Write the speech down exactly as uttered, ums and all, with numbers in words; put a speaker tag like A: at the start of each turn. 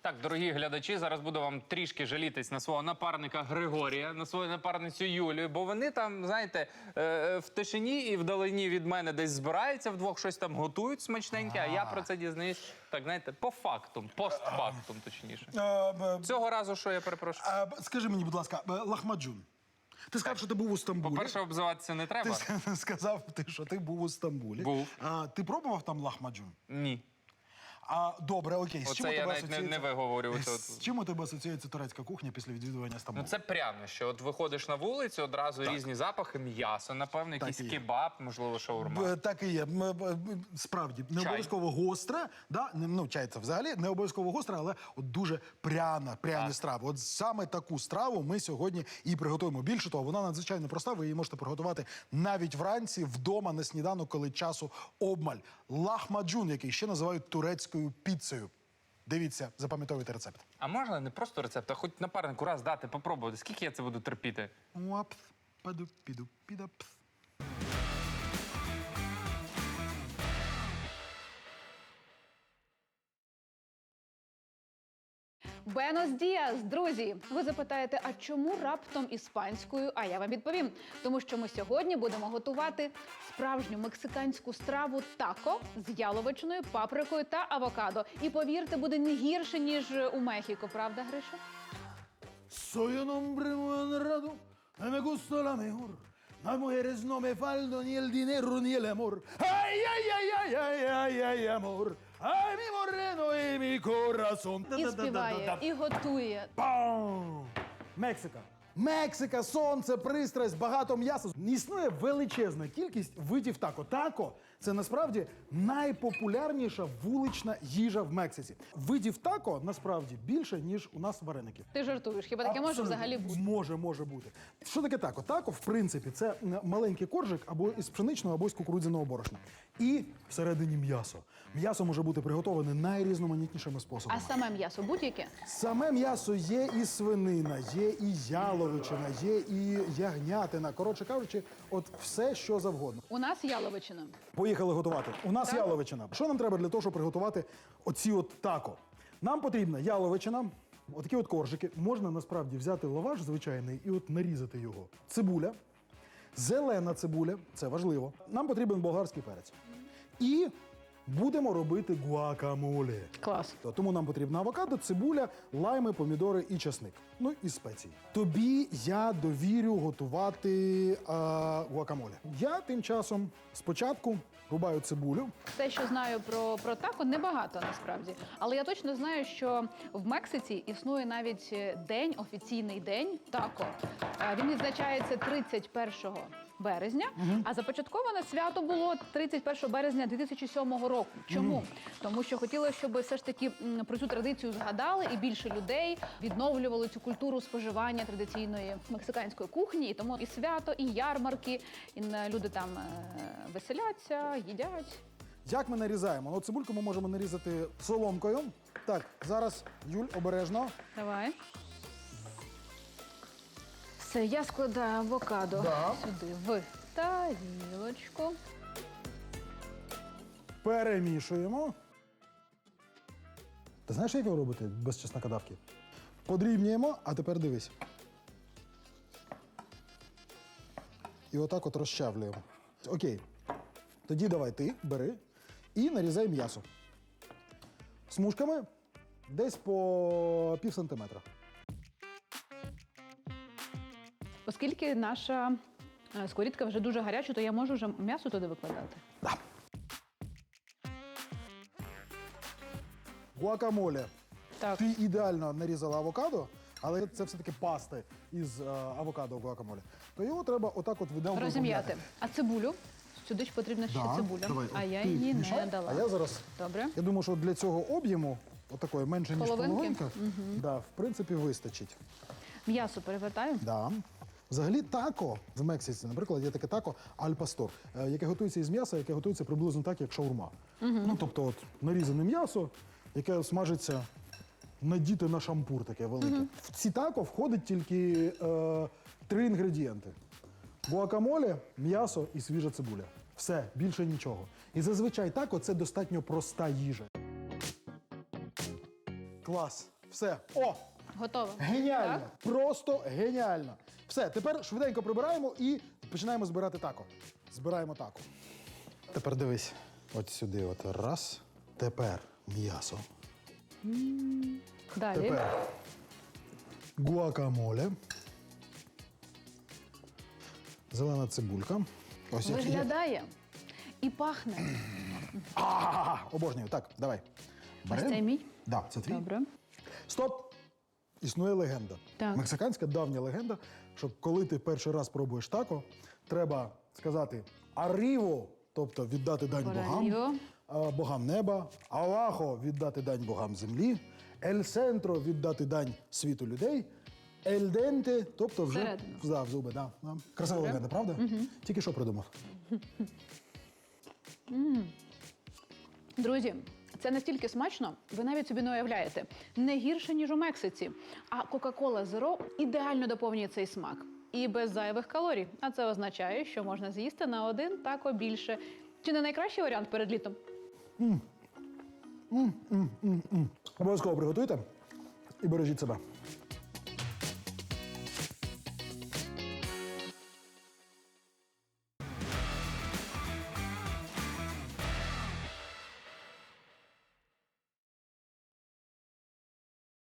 A: Так, дорогі глядачі, зараз буду вам трішки жалітись на свого напарника Григорія, на свою напарницю Юлію, бо вони там, знаєте, в тишині і вдалині від мене десь збираються вдвох, щось там готують смачненьке, а я про це дізнаюсь, так, знаєте, по фактум, постфактум, точніше. Цього разу, що я перепрошую?
B: Скажи мені, будь ласка, лахмаджун. Ти сказав, що ти був у Стамбулі.
A: По-перше, обзиватися не треба.
B: Ти сказав, що ти був у Стамбулі.
A: Був.
B: А, ти пробував там лахмаджун?
A: Ні.
B: А, добре, окей. З чим у
A: Оце я
B: тебе
A: навіть не,
B: асоціюється...
A: не виговорюю.
B: З чим у тебе асоціюється турецька кухня після відвідування Стамбулу?
A: Ну це прянощі. От виходиш на вулицю, одразу
B: Так.
A: різні запахи, м'ясо, напевно, якийсь
B: і є.
A: кебаб, можливо, шаурма.
B: Б- Так і є. М, б- б- Справді, не
A: Чай.
B: обов'язково гостра, да? Не- ну, чай це взагалі не обов'язково гостра, але от дуже пряна, пряні
A: Так.
B: страви. От саме таку страву ми сьогодні і приготуємо. Більше того, вона надзвичайно проста, ви її можете приготувати навіть вранці, вдома, на сніданок, коли часу обмаль. Лахмаджун, який ще називають турецькою піцею. Дивіться, запам'ятовуйте рецепт.
A: А можна не просто рецепт, а хоч напарнику раз дати, попробувати. Скільки я це буду терпіти?
B: Уапс, паду, піду, підапс.
C: Бенос діас, друзі! Ви запитаєте, а чому раптом іспанською? А я вам відповім. Тому що ми сьогодні будемо готувати справжню мексиканську страву тако з яловичиною, паприкою та авокадо. І повірте, буде не гірше, ніж у Мехіко. Правда, Гриша?
B: Soy un hombre muy honrado, y me gusta la mejor. Las mujeres no me faltan ni el dinero ni el amor. Ay, ay, ay, ay, ay, ay, ay, amor. Ay, mi moreno y mi corazón.
C: І співає, і готує.
B: Пам! Мексика. Мексика, сонце, пристрасть, багато м'яса. Існує величезна кількість видів тако. Тако – це насправді найпопулярніша вулична їжа в Мексиці. Видів тако насправді більше, ніж у нас вареників.
C: Ти жартуєш, хіба таке може
B: Абсолютно.
C: взагалі бути?
B: Може, може бути. Що таке тако? Тако, в принципі, це маленький коржик або із пшеничного, або із кукурудзяного борошна. І всередині м'ясо. М'ясо може бути приготоване найрізноманітнішими способами.
C: А саме м'ясо будь-яке?
B: Саме м'ясо є і свинина, є і яловичина, є і ягнятина. Коротше кажучи, от все, що завгодно.
C: У нас яловичина.
B: Поїхали готувати. У нас
C: Так.
B: яловичина. Що нам треба для того, щоб приготувати оці от тако? Нам потрібна яловичина, отакі от коржики. Можна насправді взяти лаваш звичайний і от нарізати його. Цибуля, зелена цибуля, це важливо. Нам потрібен болгарський перець. І будемо робити гуакамоле.
C: Клас.
B: Тому нам потрібна авокадо, цибуля, лайми, помідори і часник. Ну і спеції. Тобі я довірю готувати а, гуакамоле. Я тим часом спочатку рубаю цибулю.
C: Все, що знаю про, про тако, небагато насправді. Але я точно знаю, що в Мексиці існує навіть день, офіційний день тако. Е, Він відзначається тридцять першого березня, а започатковане свято було тридцять першого березня дві тисячі сьомого року. Чому? Тому що хотіли, щоб все ж таки м, про цю традицію згадали і більше людей відновлювали цю культуру споживання традиційної мексиканської кухні. І тому і свято, і ярмарки, і е, люди там е, веселяться, їдять.
B: Як ми нарізаємо? Ну, цибульку ми можемо нарізати соломкою. Так, зараз, Юль, обережно.
C: Давай. Все, я складаю авокадо
B: Да.
C: сюди в тарілочку.
B: Перемішуємо. Ти знаєш, як його робити без чеснокодавки? Подрібнюємо, а тепер дивись. І отак от розчавлюємо. Окей. Тоді давай ти бери і нарізай м'ясо. Смужками десь по пів сантиметра.
C: Оскільки наша е, сковорідка вже дуже гаряча, то я можу вже м'ясо туди викладати.
B: Да. Гуакамоле.
C: Так.
B: Ти ідеально нарізала авокадо, але це все-таки пасти із е, авокадо гуакамоле. То його треба отак от видав.
C: Розім'яти. А цибулю? Сюди ж потрібна ще
B: Да.
C: цибуля.
B: Давай,
C: а
B: от
C: я
B: ти
C: її
B: мішай,
C: не дала.
B: А я зараз,
C: Добре.
B: я думаю, що для цього об'єму, отакої менше, ніж
C: Половинки?
B: половинка, да, в принципі, вистачить.
C: М'ясо перевертаю.
B: Да. Взагалі тако в Мексиці, наприклад, є таке тако аль-пастор, е, яке готується із м'яса, яке готується приблизно так, як шаурма. Ну, тобто, от, нарізане м'ясо, яке смажиться, надіти на шампур таке велике. В ці тако входить тільки е, три інгредієнти. Гуакамоле, м'ясо і свіжа цибуля. Все, більше нічого. І зазвичай тако – це достатньо проста їжа. Клас. Все. О!
C: Готово.
B: Геніально!
C: Так?
B: Просто геніально. Все, тепер швиденько прибираємо і починаємо збирати тако. Збираємо тако. Тепер дивись. От сюди, от раз. Тепер м'ясо.
C: Далі.
B: Тепер гуакамоле. Зелена цибулька. Ось як-
C: Виглядає і пахне.
B: А, обожнюю. Так, давай.
C: Ось цей мій?
B: Да, це твій.
C: Добре.
B: Стоп! Існує легенда.
C: Так.
B: Мексиканська давня легенда, що коли ти перший раз пробуєш тако, треба сказати «аріво», тобто віддати дань богам,
C: Аріво.
B: а, богам неба, «алахо» – віддати дань богам землі, «ель сентро» – віддати дань світу людей, «ель денте», тобто вже
C: Всередину.
B: да, в зуби. Да, да. Красива легенда, правда? Угу. Тільки що придумав.
C: Друзі, це настільки смачно, ви навіть собі не уявляєте. Не гірше, ніж у Мексиці. А Кока-Кола Зеро ідеально доповнює цей смак. І без зайвих калорій. А це означає, що можна з'їсти на один тако більше. Чи не найкращий варіант перед літом?
B: Обов'язково приготуйте і бережіть себе.